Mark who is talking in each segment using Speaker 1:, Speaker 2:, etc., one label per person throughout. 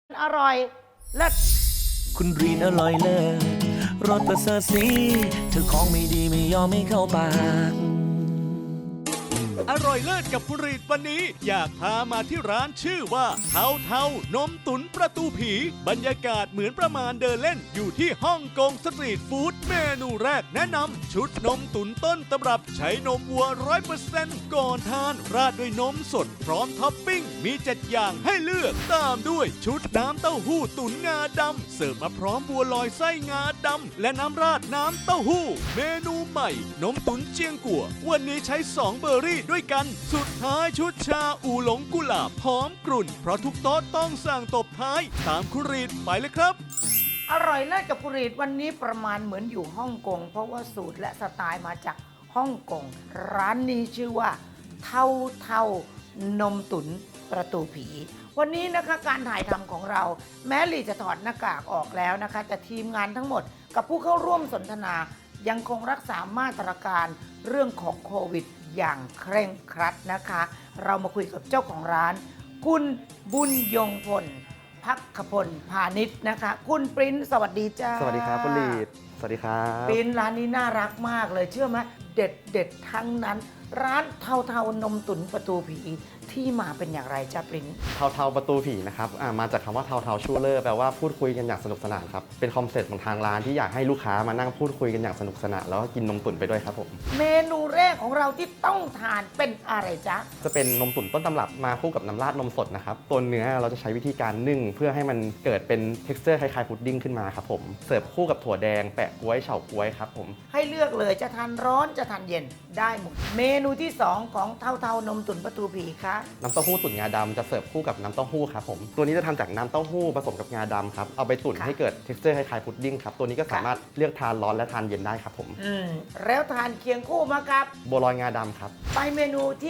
Speaker 1: อร่อยเลิศ
Speaker 2: คุณรีนอร่อยเลิศรสประเสริฐสีเธอของไม่ดีไม่ยอมไม่เข้าปาก
Speaker 3: อร่อยเลิศกับคุณรีดวันนี้อยากพามาที่ร้านชื่อว่าเทาเทานมตุ๋นประตูผีบรรยากาศเหมือนประมาณเดินเล่นอยู่ที่ฮ่องกงสตรีทฟู้ดเมนูแรกแนะนำชุดนมตุ๋นต้นตำรับใช้นมวัว 100% ก่อนทานราดด้วยนมสดพร้อมท็อปปิ้งมี7อย่างให้เลือกตามด้วยชุดน้ำเต้าหู้ตุ๋นงาดำเสิร์ฟมาพร้อมบัวลอยไส้งาดำและน้ำราดน้ำเต้าหู้เมนูใหม่นมตุ๋นเจียงกัววันนี้ใช้2เบอร์รี่ด้วยกันสุดท้ายชุดชาอูหลงกุหลาบหอมกรุ่นเพราะทุกโต๊ะต้องสั่งตบท้ายตามคุณรีดไปเลยครับ
Speaker 1: อร่อยเลิศกับกุรีดวันนี้ประมาณเหมือนอยู่ฮ่องกงเพราะว่าสูตรและสไตล์มาจากฮ่องกงร้านนี้ชื่อว่าเทาเทานมตุ๋นประตูผีวันนี้นะคะการถ่ายทำของเราแม้ลีจะถอดหน้ากากออกแล้วนะคะแต่ทีมงานทั้งหมดกับผู้เข้าร่วมสนทนายังคงรักษามาตรการเรื่องของโควิดอย่างเคร่งครัดนะคะเรามาคุยกับเจ้าของร้านคุณบุญยงพลพักขพลพาณิชย์นะคะคุณปริ้นสวัสดีจ้า
Speaker 4: สวัสดีครับคุณลีดสวัสดีครับ
Speaker 1: ปริ้นร้านนี้น่ารักมากเลยเชื่อไหมเด็ดเด็ดทั้งนั้น ร้านเทาเทานมตุ๋นประตูผีที่มาเป็นอย่างไรจ้าปริ้น
Speaker 4: เทาประตูผีนะครับมาจากคำว่าเทาชูเลอร์แปลว่าพูดคุยกันอย่างสนุกสนานครับเป็นคอนเซ็ปต์ของทางร้านที่อยากให้ลูกค้ามานั่งพูดคุยกันอย่างสนุกสนานแล้วก็กินนมตุ๋นไปด้วยครับผม
Speaker 1: เมนูแรกของเราที่ต้องทานเป็นอะไรจ๊ะ
Speaker 4: จะเป็นนมตุ๋นต้นตำรับมาคู่กับน้ำราดนมสดนะครับตัวเนื้อเราจะใช้วิธีการนึ่งเพื่อให้มันเกิดเป็น texture คล้ายๆพุดดิ้งขึ้นมาครับผมเสิร์ฟคู่กับถั่วแดงแปะก๊วยเฉาก๊วยครับผม
Speaker 1: ให้เลือกเลยจะทานร้อนจะทานเย็นได้หมดเมนูที่ 2 ของเทาเทานมตุ๋นประตูผีคะ
Speaker 4: น้ำเต้าหู้ตุ๋นงาดำจะเสิร์ฟคู่กับน้ำเต้าหู้ครับผมตัวนี้จะทำจากน้ำเต้าหู้ผสมกับงาดำครับเอาไปตุ๋นให้เกิด texture คล้ายๆพุดดิ้งครับตัวนี้ก็สามารถเลือกทานร้อนและทานเย็นได้ครับผม
Speaker 1: แล้วทานเคียงคู่มากับ
Speaker 4: บัวลอยงาดำครับ
Speaker 1: ไปเมนูที่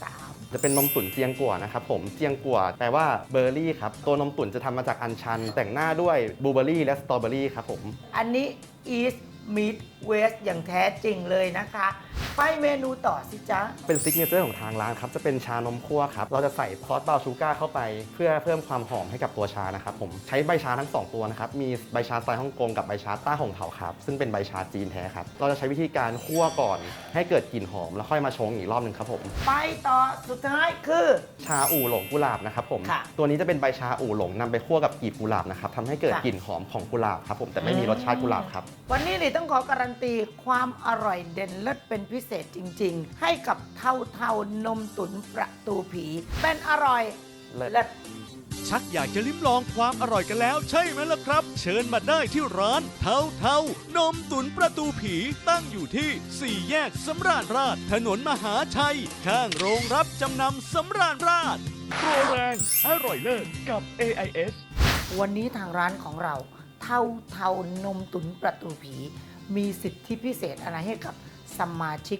Speaker 1: 3
Speaker 4: จะเป็นนมตุ๋นเจียงกัวนะครับผมเจียงกัวแปลว่าเบอร์รี่ครับตัวนมตุ๋นจะทำมาจากอัญชัน แต่งหน้าด้วยบลูเบอร์รี่และสตรอเบอร์รี่ครับผม
Speaker 1: อันนี้ East Meet West อย่างแท้จริงเลยนะคะ ไปเมนูต่อสิจ๊ะ
Speaker 4: เป็นซิกเนเจอร์ของทางร้านครับจะเป็นชานมคั่วครับเราจะใส่ซอสบราวน์ชูการ์เข้าไปเพื่อเพิ่มความหอมให้กับตัวชานะครับผมใช้ใบชาทั้ง 2 ตัวนะครับมีใบชาสไตล์ฮ่องกงกับใบชาต้าหงเถาครับซึ่งเป็นใบชาจีนแท้ครับเราจะใช้วิธีการคั่วก่อนให้เกิดกลิ่นหอมแล้วค่อยมาชงอีกรอบหนึ่งครับผม
Speaker 1: ไปต่อสุดท้ายคือ
Speaker 4: ชาอู่หลงกุหลาบนะครับผม
Speaker 1: ค่ะ
Speaker 4: ตัวนี้จะเป็นใบชาอู่หลงนำไปคั่วกับกลีบกุหลาบนะครับทำให้เกิด
Speaker 1: ค่ะ
Speaker 4: กลิ่นหอมของกุหลาบครับผมแต่ไม่มีรสชาติกุหลาบครับ
Speaker 1: วันนี้หลีต้องขอการันตีความอร่อยเด่นเลิศเป็นพิเศษจริง ๆ ให้กับเทาเทานมตุ๋นประตูผี เป็นอร่อย
Speaker 4: เลิศ
Speaker 1: เลิศ
Speaker 3: ชักอยากจะลิ้มลองความอร่อยกันแล้วใช่ไหมล่ะครับ เชิญมาได้ที่ร้านเทาเทานมตุ๋นประตูผีตั้งอยู่ที่ 4 แยกสำราญราชถนนมหาชัย ข้างโรงรับจำนำสำราญราชโปรแรงอร่อยเลิศกับ AIS
Speaker 1: วันนี้ทางร้านของเราเทาเทานมตุ๋นประตูผี มีสิทธิพิเศษอะไรให้กับสมาชิก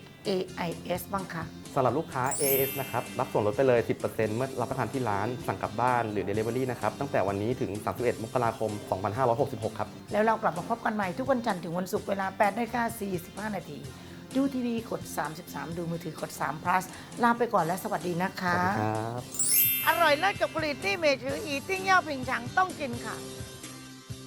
Speaker 1: AIS บ้างคะ
Speaker 4: สำหรับลูกค้า AS นะครับรับส่วนลดไปเลย 10%เมื่อรับประทานที่ร้านสั่งกลับบ้านหรือ Delivery นะครับตั้งแต่วันนี้ถึง 31 มกราคม 2566 ครับ
Speaker 1: แล้วเรากลับมาพบกันใหม่ทุกวันจันทร์ถึงวันศุกร์เวลา 8:45 นาที ดูทีวีกด 33 ดูมือถือกด3 plus ลาไปก่อนและสวัสดีนะคะ
Speaker 4: สวัสดีครับ
Speaker 1: อร่อยเลิศกับผลิตที่เมจืออีติ้งเย่าผิงฉังต้องกินค่ะ